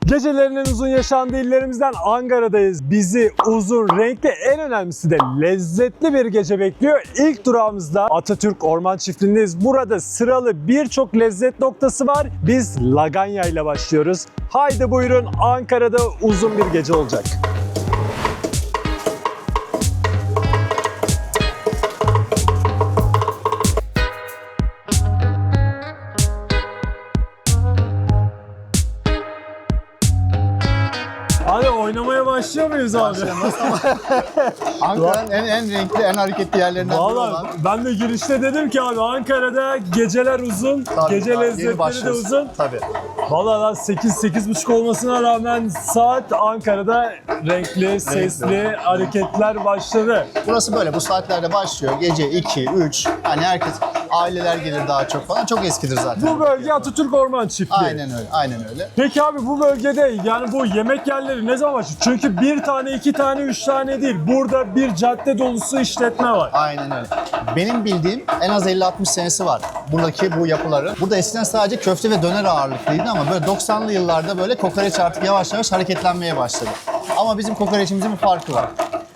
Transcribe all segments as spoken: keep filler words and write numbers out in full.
Gecelerin en uzun yaşandığı illerimizden Ankara'dayız. Bizi uzun, renkli, en önemlisi de lezzetli bir gece bekliyor. İlk durağımızda Atatürk Orman Çiftliği'ndeyiz. Burada sıralı birçok lezzet noktası var. Biz Laganya ile başlıyoruz. Haydi buyurun, Ankara'da uzun bir gece olacak. Hadi oynamaya başlıyor muyuz abi? Ankara'nın en, en renkli, en hareketli yerlerinden biri Vallahi olan. ben de girişte dedim ki abi Ankara'da geceler uzun, Tabii, gece tabii, yeni lezzetleri de başlıyoruz. uzun. Tabii. Vallahi lan sekiz sekiz buçuk olmasına rağmen saat Ankara'da renkli, sesli hareketler başladı. Burası böyle, bu saatlerde başlıyor. Gece iki, üç, hani herkes, aileler gelir daha çok falan. Çok eskidir zaten. Bu bölge Atatürk Orman Çiftliği. Aynen öyle, aynen öyle. Peki abi bu bölgede yani bu yemek yerleri ne zaman başlıyor? Çünkü bir tane, iki tane, üç tane değil. Burada bir cadde dolusu işletme var. Aynen öyle. Benim bildiğim en az elli altmış senesi var buradaki bu yapıların. Burada eskiden sadece köfte ve döner ağırlıklıydı ama böyle doksanlı yıllarda böyle kokoreç artık yavaş yavaş hareketlenmeye başladı. Ama bizim kokoreçimizin bir farkı var.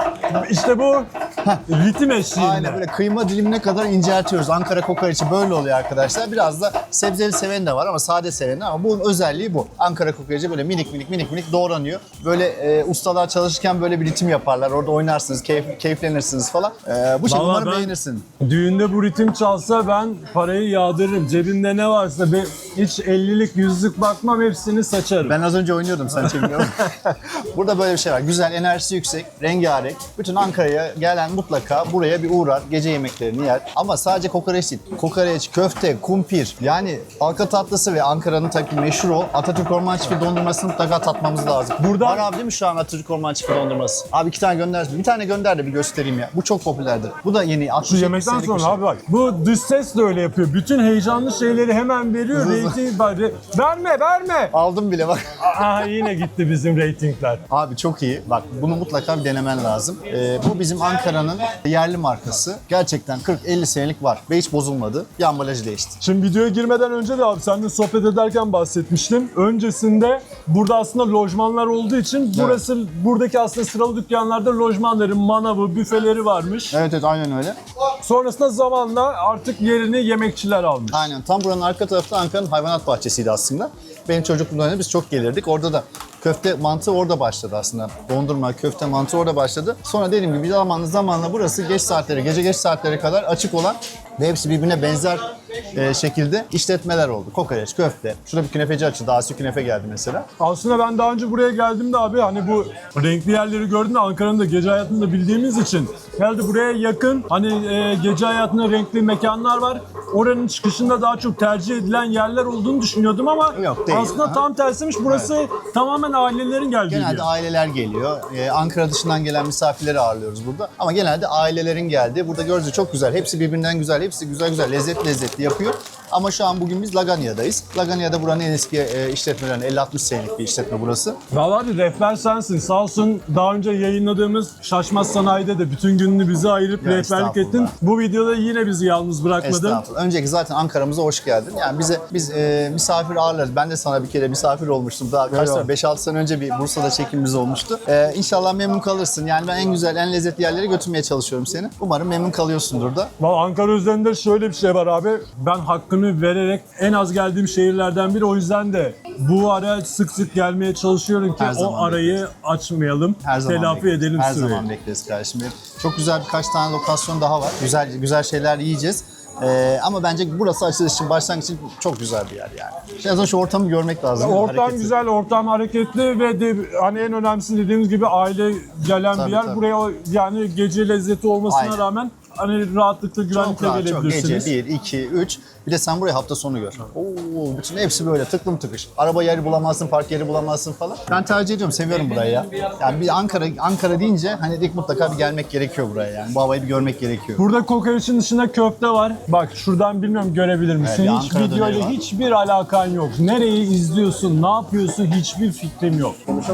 İşte bu ritim eşliğinde. Aynen böyle kıyma dilimine kadar inceltiyoruz. Ankara kokoreçi böyle oluyor arkadaşlar. Biraz da sebzeli seven de var ama sade seven de, ama bunun özelliği bu. Ankara kokoreçi böyle minik minik minik minik doğranıyor. Böyle e, ustalar çalışırken böyle bir ritim yaparlar. Orada oynarsınız, keyif, keyiflenirsiniz falan. E, bu şekilde Vallahi umarım ben beğenirsin. Düğünde bu ritim çalsa ben parayı yağdırırım. Cebimde ne varsa ben hiç ellilik yüzlük bakmam, hepsini saçarım. Ben az önce oynuyordum, sen çekmiyorum. Burada böyle bir şey var. Güzel, enerjisi yüksek, rengarenk. Bütün Ankara'ya gelen mutlaka buraya bir uğrar, gece yemeklerini yer. Ama sadece kokoreç değil. Kokoreç, köfte, kumpir, yani halka tatlısı ve Ankara'nın tabii meşhur o Atatürk Orman Çiftliği dondurmasını mutlaka tatmamız lazım. Burada- Var abi değil mi şu an Atatürk Orman Çiftliği dondurması? Abi iki tane gönder. Bir tane gönder de bir göstereyim ya. Bu çok popülerdir. Bu da yeni. Şu yemekten sonra abi bak. Bu dış ses de öyle yapıyor. Bütün heyecanlı şeyleri hemen veriyor. Hızlı. Reyting bari. Verme verme. Aldım bile bak. Aha yine gitti bizim reytingler. Abi çok iyi. Bak bunu mutlaka bir denemen lazım. Ee, bu bizim Ankara'nın yerli markası. Gerçekten kırk elli senelik var ve hiç bozulmadı. Bir ambalajı değişti. Şimdi videoya girmeden önce de abi seninle sohbet ederken bahsetmiştim. Öncesinde burada aslında lojmanlar olduğu için burası buradaki aslında sıralı dükkanlarda lojmanların, manavı, büfeleri varmış. Evet evet aynen öyle. Sonrasında zamanla artık yerini yemekçiler almış. Aynen. Tam buranın arka tarafta Ankara'nın hayvanat bahçesiydi aslında. Benim çocukluğumda biz çok gelirdik. Orada da köfte mantı orada başladı aslında. Dondurma, köfte, mantı orada başladı. Sonra dediğim gibi zamanla zamanla burası geç saatlere, gece geç saatlere kadar açık olan ve hepsi birbirine benzer e, şekilde işletmeler oldu. Kokoreç, köfte. Şurada bir künefeci açıldı. Asi künefe geldi mesela. Aslında ben daha önce buraya geldiğimde abi hani bu renkli yerleri gördüm de Ankara'nın da gece hayatını da bildiğimiz için geldi buraya yakın hani e, gece hayatında renkli mekanlar var. Oranın çıkışında daha çok tercih edilen yerler olduğunu düşünüyordum ama Yok, değil. aslında Aha. tam tersiymiş. Burası tamamen ailelerin geldiği bir Genelde yer. aileler geliyor. Ee, Ankara dışından gelen misafirleri ağırlıyoruz burada. Ama genelde ailelerin geldiği. Burada gördüğünüz çok güzel. Hepsi birbirinden güzel. Hepsi güzel güzel, lezzetli lezzetli yapıyor. Ama şu an bugün biz Laganya'dayız. Laganya'da buranın en eski e, işletmelerinden elli altmış senelik bir işletme burası. Vallahi bir rehber sensin. Sağ olsun daha önce yayınladığımız Şaşmaz Sanayi'de de bütün gününü bize ayırıp Ya rehberlik ettin. estağfurullah. Bu videoda yine bizi yalnız bırakmadın. Estağfurullah. Önceki zaten Ankara'mıza hoş geldin. Yani bize biz e, misafir ağırlarız. Ben de sana bir kere misafir olmuştum. Daha kaç Eyvallah. sene? beş altı sene önce bir Bursa'da çekimimiz olmuştu. E, İnşallah memnun kalırsın. Yani ben en güzel, en lezzetli yerlere götürmeye çalışıyorum seni. Umarım memnun kalıyorsundur da. Vallahi Ankara üzerinde şöyle bir şey var abi. Ben hakkını vererek en az geldiğim şehirlerden biri. O yüzden de bu ara sık sık gelmeye çalışıyorum ki Her o zaman arayı bekleriz. açmayalım. Her zaman Telafi bekleriz. edelim Her süreyi. zaman bekleriz kardeşim benim. Çok güzel birkaç tane lokasyon daha var. Güzel güzel şeyler yiyeceğiz. Ee, ama bence burası açılış için, başlangıç için çok güzel bir yer yani. Şimdi az önce şu ortamı görmek lazım. Ortam Hareketi. güzel, ortam hareketli ve de, hani en önemlisi dediğimiz gibi aile gelen Tabii, bir yer. tabii. Buraya yani gece lezzeti olmasına Aynen. rağmen hani rahatlıkla, Çok güvenlikle rahat, çok. gelebilirsiniz. Gece bir, iki, üç. Bir de sen burayı hafta sonu gör. Oo, bütün hepsi böyle tıklım tıkış. Araba yeri bulamazsın, park yeri bulamazsın falan. Ben tercih ediyorum, seviyorum burayı ya. Yani bir Ankara Ankara deyince hani ilk mutlaka bir gelmek gerekiyor buraya yani. Bu havayı bir görmek gerekiyor. Burada kokoreçin dışında köfte var. Bak şuradan bilmiyorum görebilir misin? Evet, bir Hiç Ankara döneri videoyla var. hiçbir alakan yok. Nereyi izliyorsun, ne yapıyorsun hiçbir fikrim yok.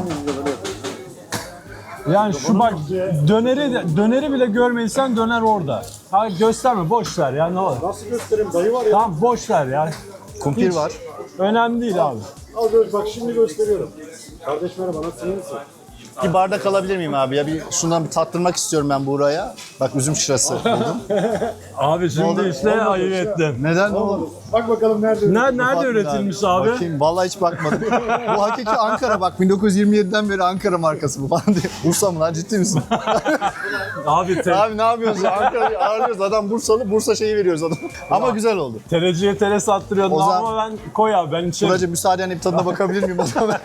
Yani şu bak döneri döneri bile görmediysen döner orada. Ha gösterme, boş ver ya ne olur. Nasıl göstereyim? Dayı var ya. Tamam boş ver ya. Kumpir Hiç var. önemli değil abi. Al böyle bak şimdi gösteriyorum. Kardeş merhaba, nasılsın? İyi misin? Bir bardak alabilir miyim abi ya? Bir şundan bir tattırmak istiyorum ben Buğra'ya. Bak üzüm şırası buldum. Abi şimdi oldu? işte Olmadı ayıp şey. ettin. Neden? Olmadı. Bak bakalım nerede? Nerede, nerede Bak bir üretilmiş daha. abi? Bakayım vallahi hiç bakmadım. Bu hakiki Ankara bak bin dokuz yüz yirmi yediden beri Ankara markası bu falan diye. Bursa mı lan ciddi misin? Abi te- Abi ne yapıyorsun ya? Ankara'yı ağırlıyoruz adam Bursalı Bursa şeyi veriyoruz adam. Ama güzel oldu. tereciye tere sattırıyordun O zaman- ama ben koy abi ben içerim. Buracığım müsaadenle bir tadına bakabilir miyim o zaman?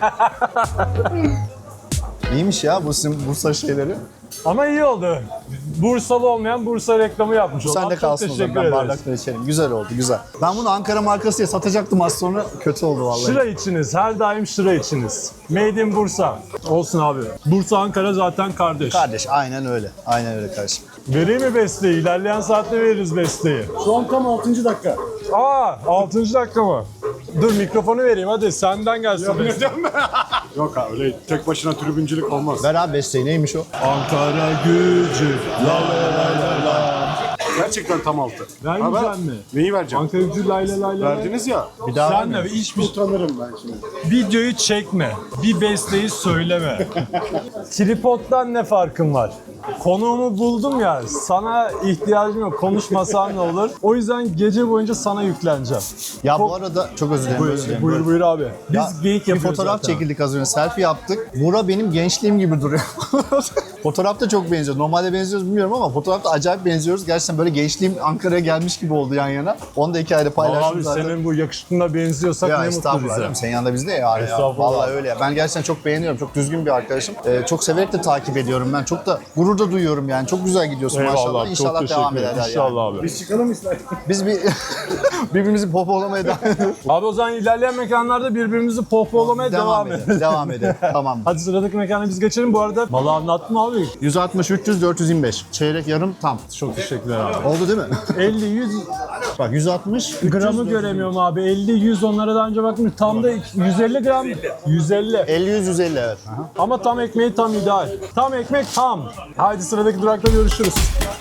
İyiymiş ya bu sizin Bursa şeyleri. Ama iyi oldu. Bursalı olmayan Bursa reklamı yapmış oldu. Sen de Çok kalsın o teşekkür zaman. Ben ederiz. bardakla içerim. Güzel oldu güzel. Ben bunu Ankara markası diye satacaktım az sonra. Kötü oldu vallahi. Şıra içiniz. Her daim şıra içiniz. Made in Bursa. Olsun abi. Bursa Ankara zaten kardeş. Kardeş aynen öyle. Aynen öyle kardeşim. Vereyim mi besteyi? İlerleyen saatte veririz besteyi. Şu an tam altıncı dakika. Aa altıncı dakika mı? Dur mikrofonu vereyim hadi senden gelsin beste. Yok abi öyle tek başına tribüncülük olmaz. Ver abi besteyi neymiş o? Ankara gücü. La la la la la. Gerçekten tam altı. Vermeyecek Abi, mi? Neyi vereceğim? Ankara gücü lay la lay la. Verdiniz ya. Bir daha Sen de vermiyor. hiçbir Utanırım ben şimdi. videoyu çekme. Bir besteyi söyleme. Tripod'dan ne farkın var? Konuğumu buldum ya, sana ihtiyacım yok. Konuşmasam ne olur? O yüzden gece boyunca sana yükleneceğim. Ya bu arada çok özür dilerim. özür dilerim. Buyur buyur abi. Biz Ya, geyik bir yapıyoruz fotoğraf zaten. çekildik az önce. Selfie yaptık. Bura benim gençliğim gibi duruyor. Fotoğrafta çok benziyor. Normalde benziyoruz bilmiyorum ama fotoğrafta acayip benziyoruz. Gerçekten böyle gençliğim Ankara'ya gelmiş gibi oldu yan yana. Onu da hikayede paylaştım Abi zaten. senin bu yakışıklığına benziyorsak Ya ne mutlu estağfurullah. bize. canım, Senin yanında bizde ya. ya. Estağfurullah. Vallahi öyle ya. Ben gerçekten çok beğeniyorum. Çok düzgün bir arkadaşım. Ee, çok severek de takip ediyorum ben. Çok da gurur da duyuyorum yani. Çok güzel gidiyorsun maşallah. Eyvallah, çok İnşallah teşekkür devam ederim. ederler İnşallah yani. abi. Biz çıkalım istersen. Biz bir birbirimizi popolamaya devam ediyoruz. Abi o zaman ilerleyen mekanlarda birbirimizi pohpohlamaya devam, devam edelim. edelim. Devam edelim. Tamam. Hadi sıradaki mekana biz geçelim. Bu arada malı anlattın mı abi? yüz altmış, üç yüz, dört yüz yirmi beş. Çeyrek yarım tam. Çok teşekkürler abi. Oldu değil mi? elli yüz Bak yüz altmış, üç yüz, gramı göremiyorum abi. elli yüz onlara daha önce bakmış. Tam da yüz elli gram. yüz elli. elli yüz yüz elli evet. Aha. Ama tam ekmeği tam ideal. Tam ekmek tam. Haydi sıradaki durakta görüşürüz.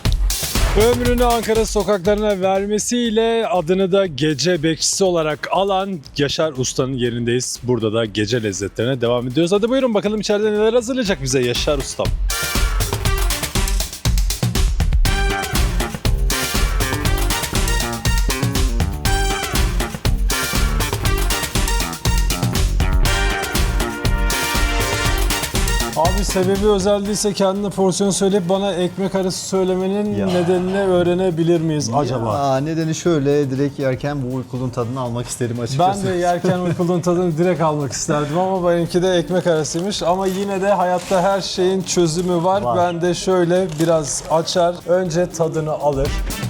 Ömrünü Ankara sokaklarına vermesiyle adını da gece bekçisi olarak alan Yaşar Usta'nın yerindeyiz. Burada da gece lezzetlerine devam ediyoruz. Hadi buyurun bakalım içeride neler hazırlayacak bize Yaşar Ustam. Abi sebebi özel değilse kendine porsiyon söyleyip bana ekmek arası söylemenin Ya. nedenini öğrenebilir miyiz acaba? Aa, nedeni şöyle, direkt yerken bu uykulun tadını almak isterim açıkçası. Ben de yerken uykulun tadını direkt almak isterdim ama benimki de ekmek arasıymış. Ama yine de hayatta her şeyin çözümü var. Var. Ben de şöyle biraz açar, önce tadını alır.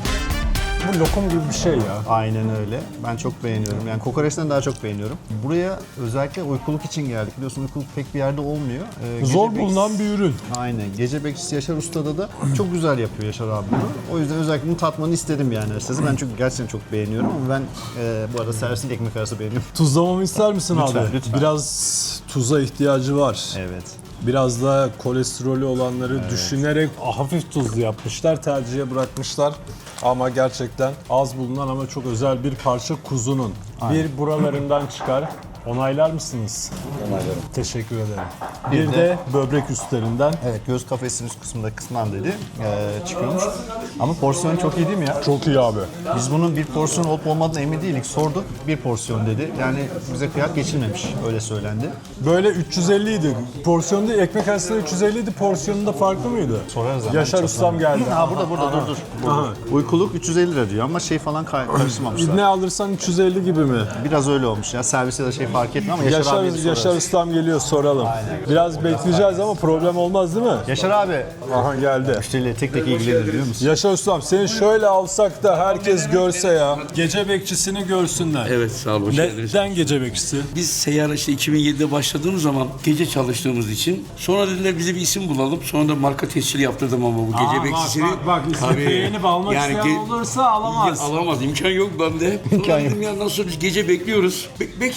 Bu lokum gibi bir şey ya. Aynen öyle. Ben çok beğeniyorum. Yani kokoreçten daha çok beğeniyorum. Buraya özellikle uykuluk için geldik. Biliyorsun uykuluk pek bir yerde olmuyor. Ee, gece Zor bekçisi- bulunan bir ürün. Aynen. Gece bekçisi Yaşar Usta'da da çok güzel yapıyor Yaşar abi bunu. O yüzden özellikle bunu tatmanı istedim yani açıkçası. Ben çünkü gerçekten çok beğeniyorum ama ben e, bu arada servisin ekmek arası beğeniyorum. Tuzlamamı ister misin Lütfen, abi? lütfen. Biraz tuza ihtiyacı var. Evet. Biraz da kolesterolü olanları düşünerek hafif tuzlu yapmışlar, tercihe bırakmışlar. Ama gerçekten az bulunan ama çok özel bir parça kuzunun bir buralarından çıkar. Onaylar mısınız? Onaylarım. Teşekkür ederim. Bir Bir, de- de böbrek üstlerinden. Evet, göğüs kafesinin üst kısmında kısmen dedi e, çıkıyormuş. Ama porsiyon çok iyi değil mi ya? Çok iyi abi. Biz bunun bir porsiyon olup olmadığına emin değilik. Sorduk, bir porsiyon dedi. Yani bize kıyak geçilmemiş, öyle söylendi. Böyle üç yüz elli idi. Porsiyonda ekmek arasında üç yüz elli idi. Porsiyonunda farklı mıydı? Sorarız ama. Yaşar çok Ustam önemli. geldi. Ha burada burada dur dur. Aha. Uykuluk üç yüz elli lira diyor ama şey falan kay- karıştırmamışlar. Ne alırsan üç yüz elli gibi mi? Biraz öyle olmuş ya. Servise de şey fark etmiyor ama Yaşar, Yaşar, abiye bir sorarız. Yaşar Ustam geliyor soralım. Biraz bekleyeceğiz ama problem olmaz değil mi? Yaşar abi. Aha geldi. Müşteriyle tek tek ilgilenir biliyor musun? Yaşar Ustam seni şöyle alsak da herkes görse ya. Gece bekçisini görsünler. Evet sağ olun. hoş geldiniz. Neden gece bekçisi? Biz seyyar işte iki bin yedide başladığımız zaman gece çalıştığımız için sonra dediler bize bir isim bulalım. Sonra da marka tescili yaptırdım ama bu gece Aa, bekçisini. Bak bak, bak ismi Tabii. beğenip almak Yani isteyen ge- olursa alamaz. Ya, alamaz imkan yok bende. Sonra dedim ya nasıl biz gece bekliyoruz. Be- bekçilik orada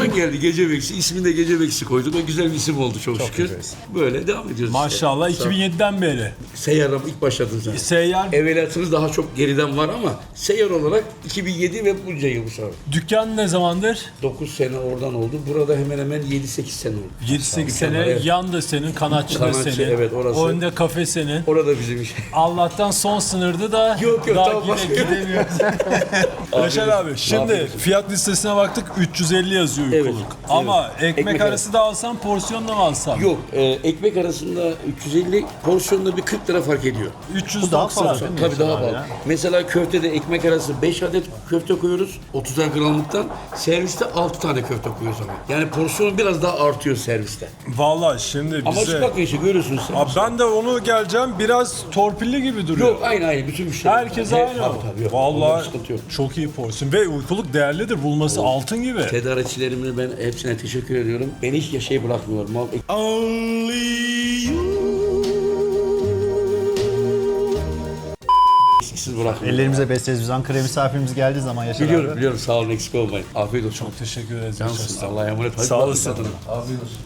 oradan geldi Gece Bekçi. İsmini de Gece Bekçi koyduk. O güzel bir isim oldu çok, şükür. güzel isim. Böyle devam ediyoruz Maşallah işte. iki bin yediden beri. Seyyar'a ilk başladın sen. Seyyar Evveliyatınız daha çok geriden var ama seyyar olarak iki bin yedi ve bunca yıl bu sonra. dükkan ne zamandır? dokuz sene oradan oldu. Burada hemen hemen yedi sekiz sene oldu. yedi sekiz sene. Evet. Yan da senin, kanatçı da Kanatçı, senin. evet, orası. Önde kafe senin. Orada bizim iş. Allah'tan son sınırdı da Yok, yok, daha tamam, yine başka- gidemiyoruz. Yaşar abi şimdi Afiyet fiyat listesine baktık üç yüz elli yazıyor Evet, uykuluk. evet. Ama ekmek, Ekmek arası da alsam porsiyonla mı alsam? Yok, e, ekmek arasında üç yüz elli, porsiyonda bir kırk lira fark ediyor. üç yüz Bu daha doksan. fazla değil mi? Tabii daha Yaşar abi pahalı. ya? Mesela köftede ekmek arası beş adet köfte koyuyoruz. otuzar gramlıktan. Serviste altı tane köfte koyuyoruz ama. Yani porsiyon biraz daha artıyor serviste. Vallahi şimdi Ama bize... şu bakın işte görüyorsunuz sen. Abi ben de onu geleceğim biraz torpilli gibi duruyor. Yok aynı aynı bütün müşteri. Herkes Evet, aynı. Tabii tabii yok. Onda bir Vallahi sıkıntı yok. çok iyi porsiyon ve uykuluk değerlidir. Bulması altın gibi. Tedarikçilerime ben hepsine teşekkür ediyorum. Beni hiç şey bırakmıyor. Mal eksiksiz bırakmıyor. Ellerimize besleriz. Biz Ankara'ya misafirimiz geldiği zaman Yaşar Biliyorum abi. biliyorum sağ olun eksik olmayın. Afiyet olsun. Çok teşekkür ederiz. Cansın. Allah'a emanet. Hadi Sağ bakın olasın. tadına. Afiyet olsun.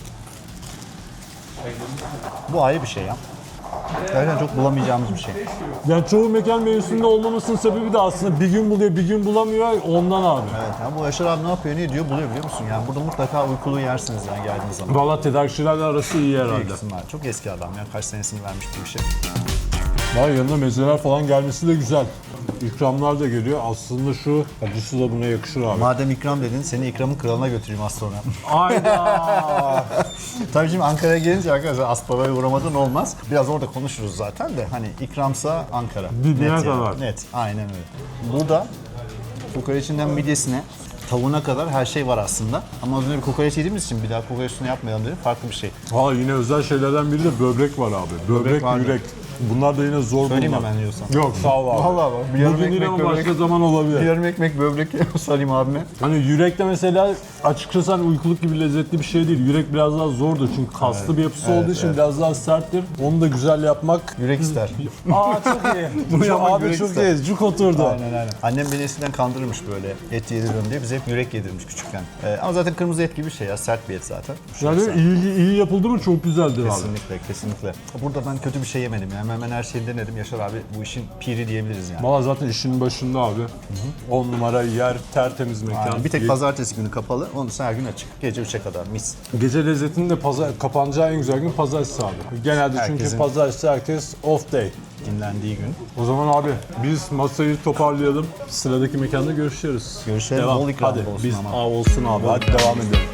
Bu ayrı bir şey ya. Gerçekten çok bulamayacağımız bir şey. Yani çoğu mekan menüsünde olmamasının sebebi de aslında bir gün buluyor, bir gün bulamıyor. Ondan abi. Evet, yani bu Yaşar abi ne yapıyor, ne diyor buluyor biliyor musun? Yani burada mutlaka uykulu yersiniz yani geldiğiniz zaman. Valla tedarikçilerle arası iyi İyi herhalde. kısımlar. Çok eski adam ya. Kaç senesini vermiş bu işe. Var yanında mezeler falan gelmesi de güzel. İkramlar da geliyor. Aslında şu acısı da buna yakışır abi. Madem ikram dedin, seni ikramın kralına götüreyim az sonra. Ayda. Tabii şimdi Ankara'ya gelince arkadaşlar Aspava'ya uğramadan olmaz. Biraz orada konuşuruz zaten de hani ikramsa Ankara. Dibine Net yani, kadar. Net, aynen öyle. Burada kokoreçinden midyesine, tavuğuna kadar her şey var aslında. Ama az önce bir kokoreç yediğimiz için bir daha kokoreç üstüne yapmayalım dedim. Farklı bir şey. Ha yine özel şeylerden biri de böbrek var abi. Böbrek, Böbrek var mı? yürek. Bunlar da yine zor Söyleyeyim bulmak. hemen diyorsan. Yok sağ ol abi. Vallahi bak, bir yarım Bugün değil ekmek ama böbrek. başka zaman olabilir. Bir yarım ekmek böbrek sarayım abime. Hani yürekte mesela açıkçası hani uykuluk gibi lezzetli bir şey değil. Yürek biraz daha zordur çünkü kaslı bir yapısı evet, olduğu için evet. biraz daha serttir. Onu da güzel yapmak. Yürek ister. Aa çok iyi. Bunu yapmak abi yürek çok ister. iyi. Cuk oturdu. Aynen aynen. Annem beni eskiden kandırırmış böyle et yediriyorum diye. Bize hep yürek yedirmiş küçükken. Ee, ama zaten kırmızı et gibi bir şey ya. Sert bir et zaten. Yani iyi, iyi yapıldı mı çok güzeldir abi. Kesinlikle, kesinlikle. Burada ben kötü bir şey yemedim yani. Hemen hemen her şeyi denedim. Yaşar abi bu işin piri diyebiliriz yani. Valla zaten işinin başında abi. on numara yer, tertemiz mekan. Aynen. Bir tek pazartesi günü kapalı. Onun dışında her gün açık. Gece üçe kadar mis. Gece lezzetinin de pazar, kapanacağı en güzel gün pazartesi abi. Genelde çünkü Herkesin- pazartesi herkes off day. Dinlendiği gün. O zaman abi biz masayı toparlayalım. Sıradaki mekanda görüşürüz. Görüşelim. Devam. Bol ikram Hadi olsun biz ama. Aa, olsun abi. Hadi devam edelim.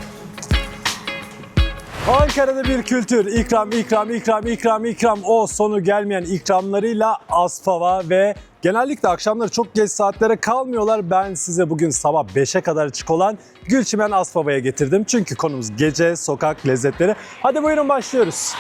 Ankara'da bir kültür. İkram, ikram, ikram, ikram, ikram. O sonu gelmeyen ikramlarıyla Aspava ve genellikle akşamları çok geç saatlere kalmıyorlar. Ben size bugün sabah beşe kadar açık olan Gülçimen Aspava'ya getirdim. Çünkü konumuz gece, sokak lezzetleri. Hadi buyurun başlıyoruz.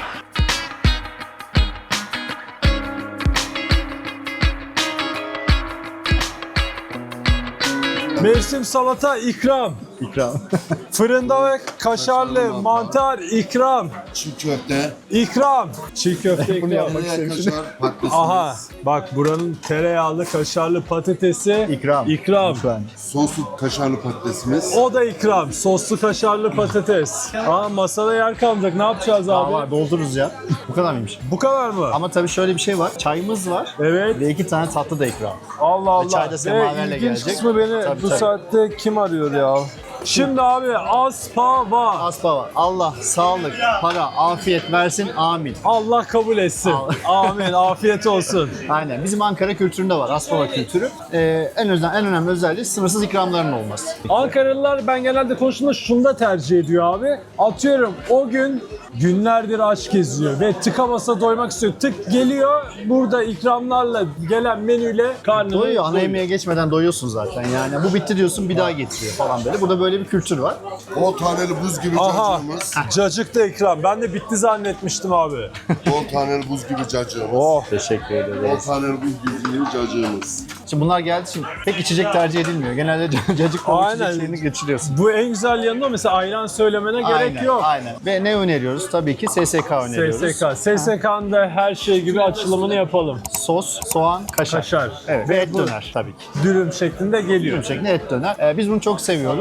Mevsim salata ikram. İkram. Fırında ve kaşarlı mantar ikram. Çiğ köfte, İkram. Çiğ köfte ikram. tereyağı kaşar patatesimiz, Aha bak buranın tereyağlı kaşarlı patatesi İkram. ikram. Lütfen. soslu kaşarlı patatesimiz, O da ikram. Soslu kaşarlı patates. Aa masada yer kalmayacak. Ne yapacağız Aa, abi? var, doldururuz ya. Bu kadar mıymış? Bu kadar mı? Ama tabii şöyle bir şey var. Çayımız var. Evet. Ve iki tane tatlı da ikram. Allah Allah. çay da semaverle Ve ilginç gelecek. kısmı beni Tabii, bu tabii. saatte kim arıyor ya? Şimdi abi Aspava. Aspava. Allah sağlık, para, afiyet versin. Amin. Allah kabul etsin. Amin. Afiyet olsun. Aynen. Bizim Ankara kültüründe var. Aspava kültürü. Ee, en özel, en önemli özelliği sınırsız ikramların olması. Ankaralılar ben genelde konuştuğumda şunu da tercih ediyor abi. Atıyorum o gün günlerdir aç geziyor ve tıka basa doymak istiyor. Tık geliyor burada ikramlarla gelen menüyle karnını Doyuyor. Ana doyuyor. yemeğe geçmeden doyuyorsun zaten. Yani bu bitti diyorsun bir daha getiriyor falan böyle. Burada böyle bir kültür var. on taneli buz gibi Aha cacığımız, cacık da ikram. Ben de bitti zannetmiştim abi. on taneli buz gibi cacığımız, Oh. Teşekkür on ederiz. taneli buz gibi cacığımız. Şimdi bunlar geldiği için pek içecek tercih edilmiyor. Genelde cacık o Aynen. içeceklerini geçiriyorsun. Bu en güzel yanı o. Mesela ayran söylemene gerek Aynen, yok. aynen. Ve ne öneriyoruz? Tabii ki S S K öneriyoruz. S S K. S S K'nın da her şey gibi açılımını yapalım. Sos, soğan, kaşar. Kaşar. Evet. Ve et döner tabii ki. Dürüm şeklinde geliyor. Dürüm şeklinde et döner. Ee, biz bunu çok seviyoruz. Ee,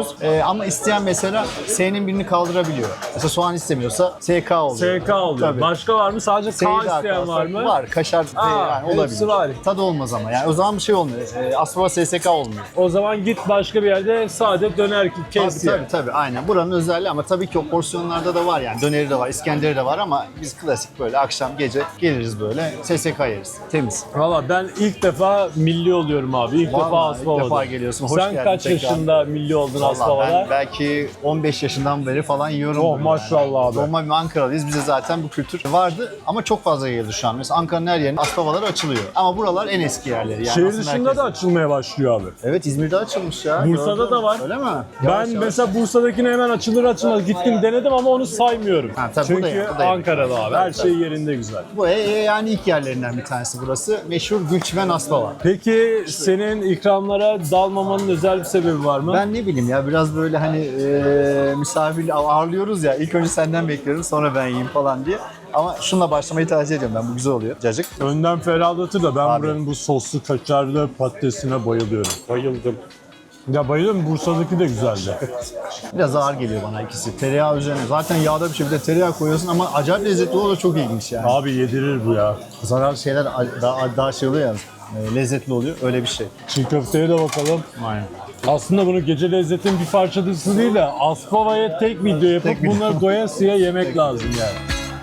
ama isteyen mesela S'nin birini kaldırabiliyor. Mesela soğan istemiyorsa S K oluyor. S K oluyor. Tabii. Başka var mı? Sadece K S'yi de isteyen var mı? Var. Kaşar Aa, yani hepsi olabilir. var. Tadı olmaz ama yani o zaman bir şey olmuyor. E, Aspava S S K olmuyor. O zaman git başka bir yerde sade döner Tabii kes tabii, ye. tabii aynen. Buranın özelliği ama tabii ki o porsiyonlarda da var yani. Döneri de var, İskender'i de var ama biz klasik böyle akşam gece geliriz böyle S S K yeriz. Temiz. Valla ben ilk defa milli oluyorum abi. İlk Vallahi defa ilk Aspava'da. defa geliyorsun. Hoş Sen geldin kaç tekrar. yaşında milli oldun Vallahi Aspava'da? ben belki on beş yaşından beri falan yiyorum. Oh, bunu maşallah abi. Normal bir Ankaralıyız. Bize zaten bu kültür vardı ama çok fazla yayıldı şu an. Mesela Ankara'nın her yerinde Aspavalar açılıyor. Ama buralar en eski yerleri. Yani Şehir aslında dışında herkes- da açılmaya başlıyor abi. Evet, İzmir'de açılmış ya. Bursa'da Gördüm. da var. Öyle mi? Ben Yavaş yavaş. mesela Bursa'dakine hemen açılır açılmaz gittim denedim ama onu saymıyorum. Ha, tabii Çünkü bu da ya, bu da ya. Ankara'da abi her şey yerinde güzel. Bu e, e, yani ilk yerlerinden bir tanesi burası. Meşhur Gülçimen Aspava. Peki senin ikramlara dalmamanın özel bir sebebi var mı? Ben ne bileyim ya biraz böyle hani e, misafir ağırlıyoruz ya. İlk önce senden bekliyorum sonra ben yiyeyim falan diye. Ama şunla başlamayı tercih ediyorum ben. Bu güzel oluyor. Cacık. Önden ferahlatır da ben Abi. buranın bu soslu kaşarlı patatesine bayılıyorum. Bayıldım. Ya bayılıyorum. Bursa'daki de güzeldi. Biraz ağır geliyor bana ikisi. Tereyağı üzerine. Zaten yağda bir şey bir de tereyağı koyuyorsun ama acayip lezzetli oluyor. Çok ilginç yani. Abi yedirir bu ya. Zarar şeyler daha, daha şey oluyor ya. e, Lezzetli oluyor. Öyle bir şey. Çiğ köfteye de bakalım. Aynen. Aslında bunu gece lezzetin bir parçası değil de Aspava'ya tek video yapıp Tek video. bunları doyasıya yemek lazım yani.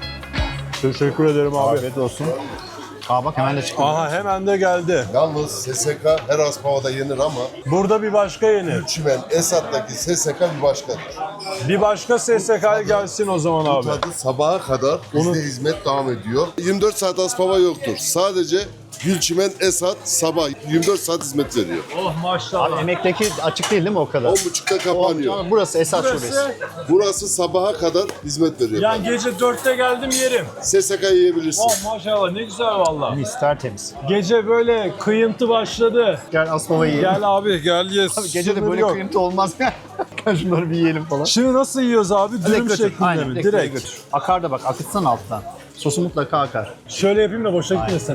Teşekkür ederim abi. Afiyet olsun. Aa bak hemen de çıkıyor. Aha hemen de geldi. Yalnız S S K her Aspava'da yenir ama Burada bir başka yenir. Çimen Esat'taki S S K bir başkadır. Bir başka S S K gelsin o zaman Bu abi. tadı sabaha kadar bizde hizmet devam ediyor. yirmi dört saat Aspava yoktur. Sadece Gülçimen Esat sabah yirmi dört saat hizmet veriyor. Oh maşallah. Emekteki açık değil değil mi o kadar? on buçukta kapanıyor. O- Burası Esat Şubesi. Burası, Burası sabaha kadar hizmet veriyor. yani gece dörtte geldim yerim. S S K yiyebilirsin. Oh maşallah ne güzel valla. Mis tertemiz. Gece böyle kıyıntı başladı. Gel Aspava yiyelim. Gel abi gel yes. Abi gece de Sınır böyle yok. kıyıntı olmaz. Gel şunları bir yiyelim falan. Şimdi nasıl yiyoruz abi? Dürüm Direkt götür. şeklinde Aynen, mi? direkt, Direkt. götür. Akar da bak akıtsan alttan. Sosu mutlaka akar. Şöyle yapayım da boşa gitmesin.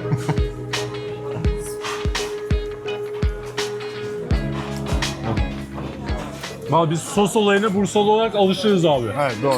Valla biz sos olayına Bursalı olarak alışırız abi. Evet doğru.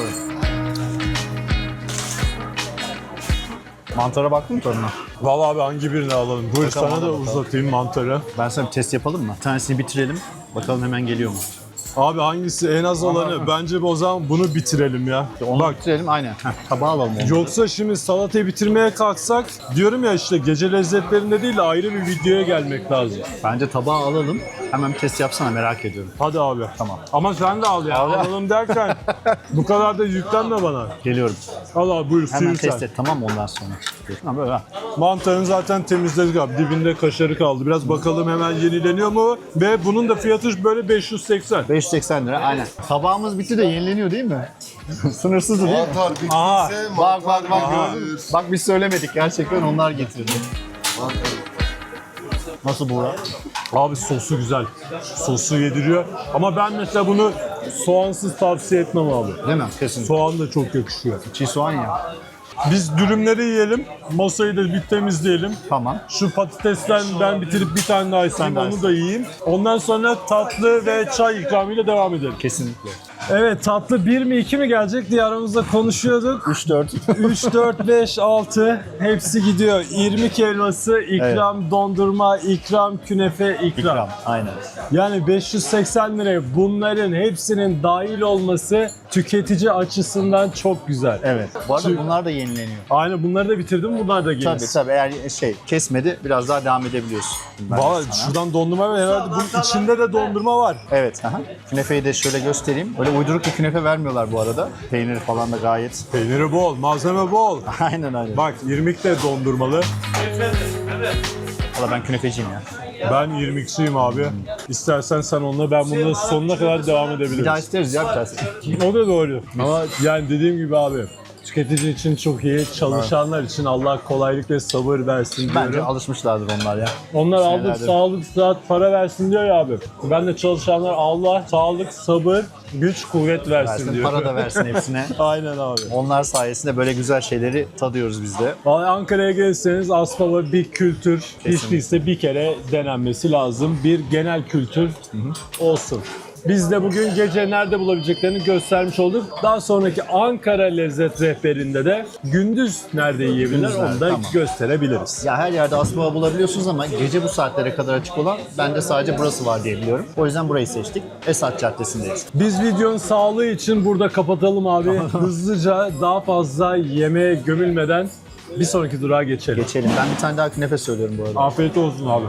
Mantara baktın mı tadına? Valla abi hangi birini alalım? Buyur Bakalım, sana da bakalım. uzatayım mantarı. Ben sana bir test yapalım mı? Bir tanesini bitirelim. Bakalım hemen geliyor mu? Abi hangisi en az olanı? Bence o zaman bunu bitirelim ya. Onu Bak bitirelim aynen. Heh, tabağa alalım onu. yoksa şimdi salatayı bitirmeye kalksak diyorum ya işte gece lezzetlerinde değil de ayrı bir videoya gelmek lazım. Bence tabağa alalım. Hemen bir test yapsana merak ediyorum. Hadi abi. Tamam. Ama sen de al ya. Al ya. Alalım derken bu kadar da yüklenme bana. Geliyorum. Al abi buyur Hemen sıyır test sen. et tamam mı ondan sonra? Ha böyle ha. Mantarını zaten temizledik abi. Dibinde kaşarı kaldı. Biraz bakalım hemen yenileniyor mu? Ve bunun da fiyatı böyle beş yüz seksen. beş yüz seksen lira aynen. Tabağımız bitti de yenileniyor değil mi? Sınırsızdı değil mi? Mantar bittiyse Aha. Bak bak bak mantar gördün mü? gelir. Bak biz söylemedik gerçekten onlar getirdi. Nasıl Buğra? Abi sosu güzel. Sosu yediriyor. Ama ben mesela bunu soğansız tavsiye etmem abi. Değil mi? Kesin. Soğan da çok yakışıyor. Çiğ soğan ya. Biz dürümleri yiyelim. Masayı da bir temizleyelim. Tamam. Şu patatesten ben bitirip bir tane daha isteyeyim, daha onu da yiyeyim. Ondan sonra tatlı ve çay ikramıyla devam edelim. Kesinlikle. Evet, tatlı bir mi iki mi gelecek diye aramızda konuşuyorduk. üç dört. üç, dört, beş, altı hepsi gidiyor. İrmik helvası, ikram dondurma, ikram künefe, ikram. İkram. Aynen. Yani beş yüz seksen liraya bunların hepsinin dahil olması tüketici açısından çok güzel. Evet. Bu arada Çünkü- bunlar da yenileniyor. Aynen bunları da bitirdim, bunlar da gelir. Tabii tabii eğer şey kesmedi biraz daha devam edebiliyorsun. Ben Valla sana. şuradan dondurma var herhalde bunun içinde de dondurma var. Evet. Aha. Künefeyi de şöyle göstereyim. Öyle uyduruk bir künefe vermiyorlar bu arada. Peyniri falan da gayet. Peyniri bol, malzeme bol. Aynen aynen. Bak irmik de dondurmalı. Valla ben künefeciyim ya. Ben irmikçiyim abi. İstersen sen onunla ben bunun sonuna kadar devam Bir daha edebilirim. isteriz ya bir tanesi. O da doğru. Ama yani dediğim gibi abi tüketici için çok iyi, çalışanlar için Allah kolaylık ve sabır versin Bence diyorum. alışmışlardır onlar ya. Onlar aldık senelerdir. sağlık, sıhhat, para versin diyor ya abi. Ben de çalışanlar Allah sağlık, sabır, güç, kuvvet versin, Versin, diyor. para da versin hepsine. Aynen abi. Onlar sayesinde böyle güzel şeyleri tadıyoruz biz de. Vallahi Ankara'ya gelirseniz Aspava bir kültür, hiç Kesinlikle. değilse bir kere denenmesi lazım. Bir genel kültür olsun. Biz de bugün gece nerede bulabileceklerini göstermiş olduk. Daha sonraki Ankara Lezzet Rehberi'nde de gündüz nerede yiyebilirler Gündüz onu nerede, da tamam. gösterebiliriz. Ya her yerde aspava bulabiliyorsunuz ama gece bu saatlere kadar açık olan bende sadece burası var diye biliyorum. O yüzden burayı seçtik. Esat Caddesi'ndeyiz. Biz videonun sağlığı için burada kapatalım abi. Hızlıca daha fazla yemeğe gömülmeden bir sonraki durağa geçelim. Geçelim. Ben bir tane daha künefe söylüyorum bu arada. Afiyet olsun abi.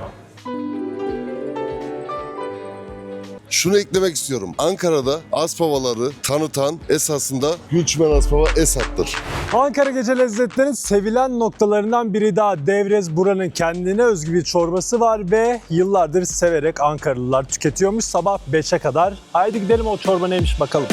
Şunu eklemek istiyorum. Ankara'da Aspavaları tanıtan esasında Gülçimen Aspava Esat'tır. Ankara Gece Lezzetleri'nin sevilen noktalarından biri daha Devrez. Buranın kendine özgü bir çorbası var ve yıllardır severek Ankaralılar tüketiyormuş sabah beşe kadar. Haydi gidelim o çorba neymiş bakalım.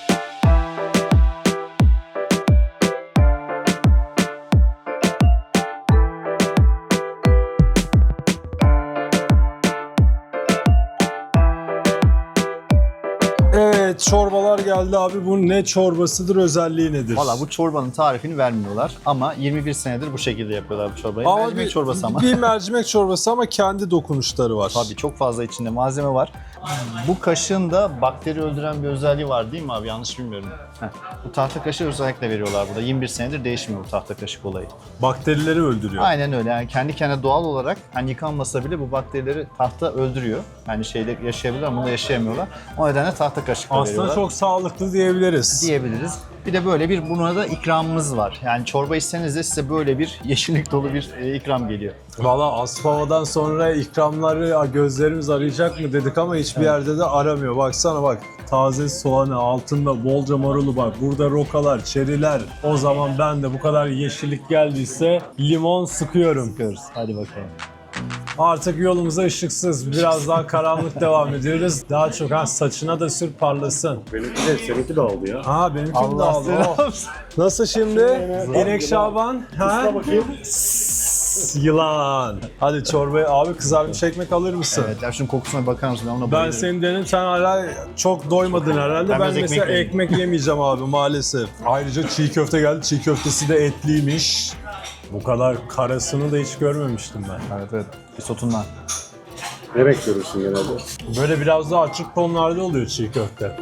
Evet, çorbalar geldi abi. Bu ne çorbasıdır, özelliği nedir? Valla bu çorbanın tarifini vermiyorlar ama yirmi bir senedir bu şekilde yapıyorlar bu çorbayı. Ama Mercimek bir, çorbası ama. Bir mercimek çorbası ama kendi dokunuşları var. Tabii çok fazla içinde malzeme var. Bu kaşığın da bakteri öldüren bir özelliği var değil mi abi? Yanlış bilmiyorum. Heh. Bu tahta kaşığı özellikle veriyorlar burada. yirmi bir senedir değişmiyor bu tahta kaşık olayı. Bakterileri öldürüyor. Aynen öyle. Yani kendi kendine doğal olarak hani yıkanmasa bile bu bakterileri tahta öldürüyor. Yani şeyde yaşayabilirler ama bunda yaşayamıyorlar. O nedenle tahta kaşıkla Aslında veriyorlar. çok sağlıklı diyebiliriz. Diyebiliriz. Bir de böyle bir buna da ikramımız var. Yani çorba içseniz de size böyle bir yeşillik dolu bir e, ikram geliyor. Valla Aspava'dan sonra ikramları gözlerimiz arayacak mı dedik ama hiçbir yerde de aramıyor. Baksana bak, taze soğanı, altında bolca marulu bak. Burada rokalar, çeriler. O zaman ben de bu kadar yeşillik geldiyse limon sıkıyorum. Sıkıyoruz. Hadi bakalım. Artık yolumuza ışıksız, biraz daha karanlık devam ediyoruz. Daha çok ha saçına da sür parlasın. Benimki de seninki de oldu ya. Ha benimki de Allah aldı. selam. Oh. Nasıl şimdi? İnek Şaban? Ha? bakayım. Sss, yılan. Hadi çorbayı abi, kızarmış ekmek alır mısın? Evet ya şunun kokusuna bakar mısın? Ben ona Ben bayılırım. senin dedim, sen hala çok doymadın herhalde. Ben Ben, biraz mesela ekmek ekmek, yemeyeceğim abi maalesef. Ayrıca çiğ köfte geldi. Çiğ köftesi de etliymiş. Bu kadar karasını da hiç görmemiştim ben. Evet evet. Bir sotundan. Ne renk görürsün genelde? Böyle biraz daha açık tonlarda oluyor çiğ köfte.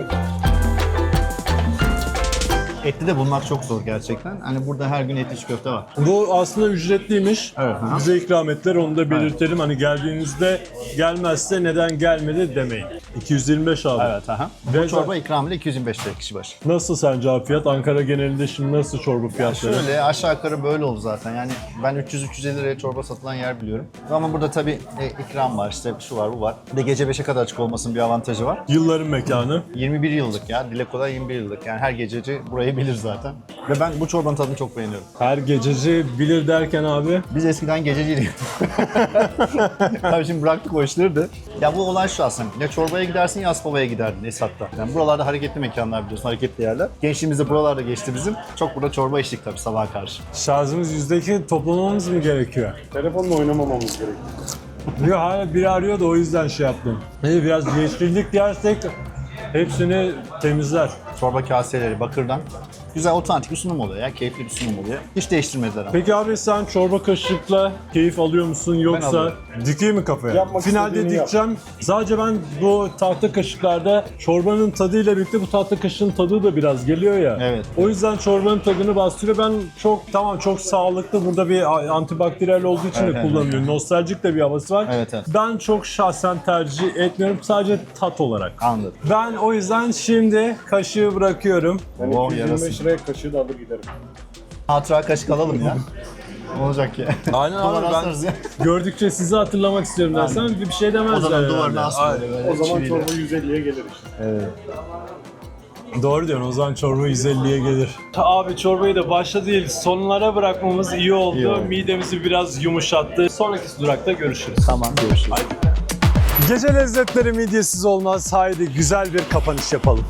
Etli de bulmak çok zor gerçekten. Hani burada her gün etli çiğ köfte var. Bu aslında ücretliymiş. Evet. Aha. Bize ikram ettiler, onu da belirtelim. Hani geldiğinizde gelmezse neden gelmedi demeyin. iki yüz yirmi beş abi. Evet aha. Ve Bu çorba ikramıyla iki yüz yirmi beş lira kişi başı. Nasıl sence abi fiyat? Ankara genelinde şimdi nasıl çorba fiyatları? Şöyle aşağı yukarı böyle oldu zaten. Yani ben üç yüz üç yüz elli liraya çorba satılan yer biliyorum. Ama burada tabii e, ikram var, işte şu var, bu var. Bir de gece beşe kadar açık olmasının bir avantajı var. Yılların mekanı. yirmi bir yıllık ya. Dileko'da yirmi bir yıllık. Yani her gececi burayı bilir zaten. Ve ben bu çorbanın tadını çok beğeniyorum. Her gececi bilir derken abi. Biz eskiden gececiydik. Tabii şimdi bıraktık o işleri de. Ya bu olay şu aslında. Ya çorbaya gidersin ya Aspava'ya giderdin Esat'ta. Yani buralarda hareketli mekanlar biliyorsun, hareketli yerler. Gençliğimiz de buralarda geçti bizim. Çok burada çorba içtik tabii sabaha karşı. Şarjımız yüzde iki, toplamamız mı gerekiyor? Telefonla oynamamamız gerekiyor. Yok hala biri arıyor da o yüzden şey yaptım. İyi, biraz yeşillik yersek hepsini temizler. Çorba kaseleri bakırdan. Güzel otantik bir sunum oluyor ya. Keyifli bir sunum oluyor. Hiç değiştirmediler ama. Peki abi sen çorba kaşıkla keyif alıyor musun yoksa alıyorum. dikeyim mi kafaya? Yapmak Finalde istediğini yap. dikeceğim. Sadece ben bu tahta kaşıklarda çorbanın tadıyla birlikte bu tahta kaşığın tadı da biraz geliyor ya. Evet. O yüzden çorbanın tadını bastırıyor. Ben çok tamam çok sağlıklı, burada bir antibakteriyel olduğu için Evet, de evet, kullanıyorum. Nostaljik de bir havası var. Evet, evet. Ben çok şahsen tercih etmiyorum, sadece tat olarak. Anladım. Ben o yüzden şimdi kaşığı bırakıyorum. Ben Oh, iki yüz yirmi yarasın. beş liraya kaşığı da alır giderim. Hatıra kaşık alalım ya. Ne olacak ya? Aynen abi, Duvara ben asarız ya. gördükçe sizi hatırlamak istiyorum dersen bir şey demezler. O zaman herhalde. duvarına asma Aynen. böyle. O zaman çiviyle. çorba yüz elliye gelir işte. Evet. Doğru diyorsun, o zaman çorba yüz elliye gelir. Abi çorbayı da başta değil sonlara bırakmamız iyi oldu. İyi oldu. Midemizi biraz yumuşattı. Sonraki durakta görüşürüz. Tamam görüşürüz. Gece lezzetleri midyesiz olmaz. Haydi güzel bir kapanış yapalım.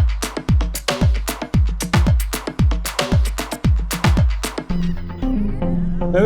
Evet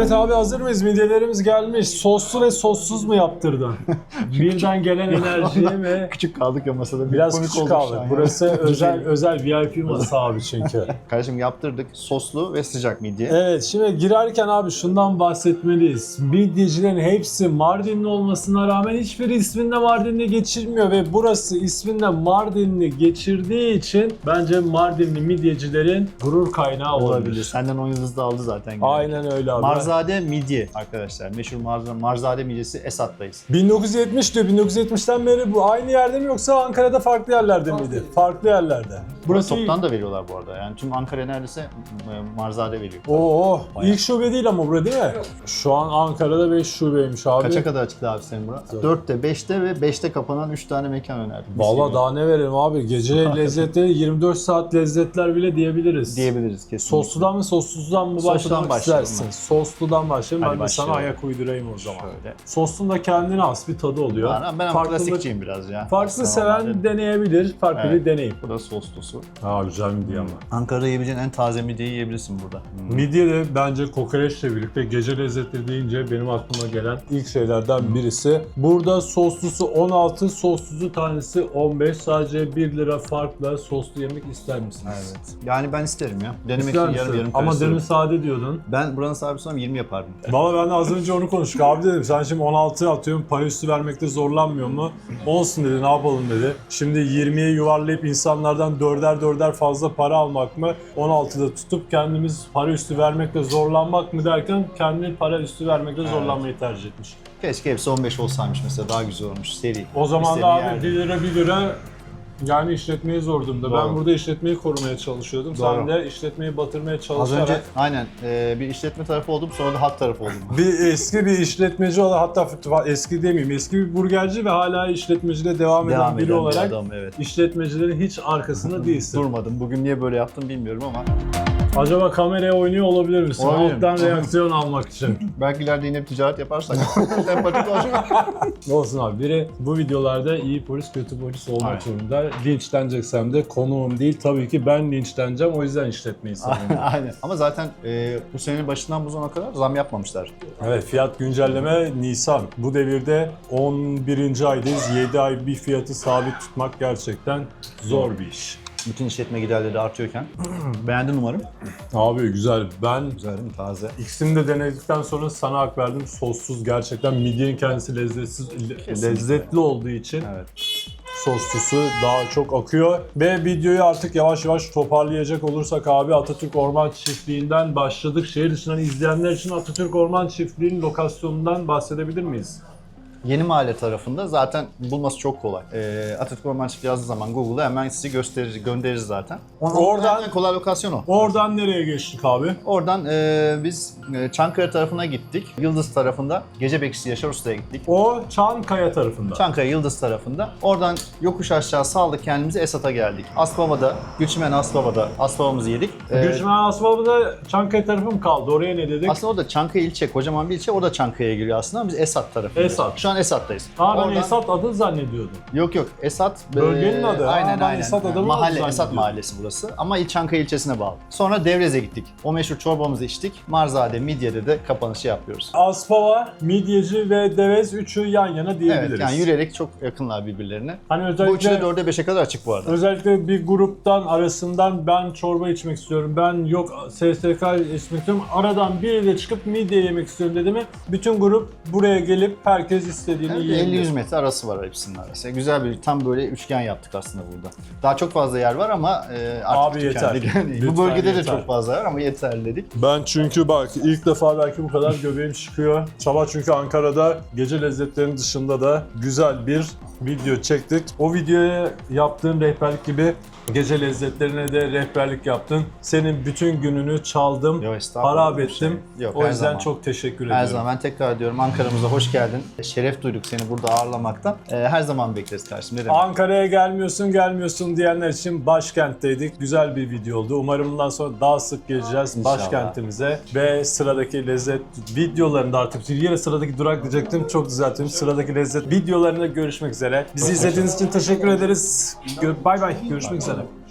Evet abi, hazır mıyız? Midyelerimiz gelmiş. Soslu ve sossuz mu yaptırdın? Birden gelen enerjiye mi? Küçük kaldık ya masada. Biraz Komik küçük olduk şu kaldık. an ya. Burası özel özel V I P masa abi çünkü. Kardeşim yaptırdık. Soslu ve sıcak midye. Evet, şimdi girerken abi şundan bahsetmeliyiz. Midyecilerin hepsi Mardinli olmasına rağmen hiçbiri isminde Mardinli geçirmiyor ve burası isminde Mardinli geçirdiği için bence Mardinli midyecilerin gurur kaynağı olabilir. Olabilir. Senden on yıldız da aldı zaten. Aynen öyle abi. Marzade midye arkadaşlar. Meşhur Marzade, Marzade midyesi Esat'tayız. bin dokuz yüz yetmiş diyor. bin dokuz yüz yetmişten beri bu aynı yerde mi yoksa Ankara'da farklı yerlerde miydi? Farklı yerlerde. Burası Burası toptan da veriyorlar bu arada. Yani tüm Ankara neredeyse e, Marzade veriyor. Oo, Bayağı. ilk şube değil ama bura değil mi? Şu an Ankara'da beş şubeymiş abi. Kaça kadar açıktı abi senin burası? dörtte, beşte ve beşte kapanan üç tane mekan önerdim. Vallahi daha ne verelim abi? Gece lezzetleri yirmi dört saat lezzetler bile diyebiliriz. diyebiliriz kesinlikle. Sosludan mı sossuzdan mı Sosludan başlamak başlayalım istersin? ben. Sosludan başlayalım. Hadi Ben de sana başlayalım. ayak uydurayım o zaman. Şöyle. Soslun da kendine has bir tadı oluyor. Ben, ben ama Farklılık- klasikçiyim biraz ya. Farklı Aslında seven normalde. deneyebilir, farklı Evet. bir deneyim. Bu da soslusu. Aa, güzel midye ama. Ankara'da yiyebileceğin en taze midyeyi yiyebilirsin burada. Midye de bence kokoreçle birlikte gece lezzetleri deyince benim aklıma gelen ilk şeylerden birisi. Burada soslusu on altı, soslusu tanesi on beş. Sadece bir lira farkla soslu yemek ister misiniz? Evet. Yani ben isterim ya. Denemek İster için yarım misin? yarım Ama karıştırırım. demin sade diyordun. Ben buranın sahibi olsam yirmi yapardım. Valla ben de az önce onu konuştuk. Abi dedim sen şimdi on altı atıyorum, para üstü vermekte zorlanmıyor mu? Olsun dedi, ne yapalım dedi. Şimdi yirmiye yuvarlayıp insanlardan dörder dörder fazla para almak mı? on altıda tutup kendimiz para üstü vermekte zorlanmak mı derken kendi para üstü vermekte zorlanmayı tercih etmiş. Keşke hepsi on beş olsaymış mesela, daha güzel olmuş seri. O zaman da İstediğin abi yerde. bir lira bir lira yani işletmeyi zor durumda. Ben Doğru. burada işletmeyi korumaya çalışıyordum. Sen Doğru. de işletmeyi batırmaya Az çalışarak. önce aynen e, bir işletme tarafı oldum, sonra da hat tarafı oldum. Bir eski bir işletmeci olan, hatta eski demeyeyim, eski bir burgerci ve hala işletmecide devam, Devam eden biri eden bir olarak adam, evet. işletmecilerin hiç arkasında değilsin. Durmadım. Bugün niye böyle yaptım bilmiyorum ama Acaba kameraya oynuyor olabilir misin? Olabilirim. Alttan reaksiyon almak için. belki ileride yine bir ticaret yaparsak sempatik olacak. Olsun abi, biri bu videolarda iyi polis kötü polis olmak Aynen. zorunda. Linçleneceksem de konuğum değil, tabii ki ben linçleneceğim, o yüzden işletmeyi savunuyorum. Aynen. Ama zaten e, bu senenin başından bu zamana kadar zam yapmamışlar. Evet, fiyat güncelleme Nisan. Bu devirde on birinci aydayız. yedi ay bir fiyatı sabit tutmak gerçekten zor bir iş. Bütün işletme giderleri artıyorken. Beğendin umarım. Abi güzel. Ben Güzel değil mi? Taze. ikisini de denedikten sonra sana hak verdim. Sossuz gerçekten midyenin kendisi lezzetsiz, Kesinlikle. lezzetli olduğu için Evet. soslusu daha çok akıyor. Ve videoyu artık yavaş yavaş toparlayacak olursak abi, Atatürk Orman Çiftliği'nden başladık. Şehir dışından izleyenler için Atatürk Orman Çiftliği'nin lokasyonundan bahsedebilir miyiz? Yeni Mahalle tarafında zaten bulması çok kolay. Ee, Atatürk Orman Çiftliği yazdığı zaman Google'a hemen sizi gösterir, gönderir zaten. Oradan- en kolay lokasyon o. Oradan nereye geçtik abi? Oradan e, biz e, Çankaya tarafına gittik. Yıldız tarafında Gece Bekçisi Yaşar Usta'ya gittik. O Çankaya tarafında. Çankaya Yıldız tarafında. Oradan yokuş aşağı saldık kendimizi, Esat'a geldik. Asbaba'da, Gülçimen Asbaba'da Asbaba'mızı yedik. Ee, Gülçmen Asbaba'da Çankaya tarafı mı kaldı? Oraya ne dedik? Aslında o da Çankaya ilçe, kocaman bir ilçe. O da Çankaya'ya giriyor aslında. Biz Esat tarafındayız. Esat. Şu an Esat'tayız. Aa, ben Oradan- Esat adı zannediyordum. Yok yok, Esat Bölgenin e, adı. Aa, Aynen ben aynen. Esat adamı Mahalle, zannediyorum. Esat mahallesi burası. Ama İl Çankaya ilçesine bağlı. Sonra Devrez'e gittik. O meşhur çorbamızı içtik. Marzade, Midye'de de kapanışı yapıyoruz. Aspava, Midyeci ve Devez üçü yan yana diyebiliriz. Evet, yani yürüyerek çok yakınlar birbirlerine. Hani Bu üçü de özellikle dörde beşe kadar açık bu arada. özellikle bir gruptan arasından ben çorba içmek istiyorum, ben yok S S K içmek istiyorum, aradan biri de çıkıp midye yemek istiyorum dedi mi, bütün grup buraya gelip herkes istediğini Evet, yiyebilir. elli yüz metre arası var hepsinin arası. Güzel bir tam böyle üçgen yaptık aslında burada. Daha çok fazla yer var ama e, artık Abi yeter. tükendik. Yani Lütfen bu bölgede de yeter. çok fazla var ama yeterli dedik. Ben çünkü bak ilk defa belki bu kadar göbeğim çıkıyor. Sabah çünkü Ankara'da gece lezzetlerinin dışında da güzel bir video çektik. O videoya yaptığım rehberlik gibi gece lezzetlerine de rehberlik yaptın. Senin bütün gününü çaldım, Yo, estağfurullah, harap bir şey ettim. yok, O her yüzden zaman. çok teşekkür Her ediyorum. zaman ben tekrar diyorum, Ankara'mıza hoş geldin. Şeref duyduk seni burada ağırlamaktan. E, her zaman bekleriz kardeşim. Ne demek? Ankara'ya gelmiyorsun, gelmiyorsun diyenler için başkentteydik. Güzel bir video oldu. Umarım bundan sonra daha sık geleceğiz İnşallah. başkentimize. Ve sıradaki lezzet videolarında artık yine sıradaki durak diyecektim. Çok düzelttim. Sıradaki lezzet videolarında görüşmek üzere. Bizi izlediğiniz için teşekkür ederiz. Gö- Bay bay. Görüşmek üzere.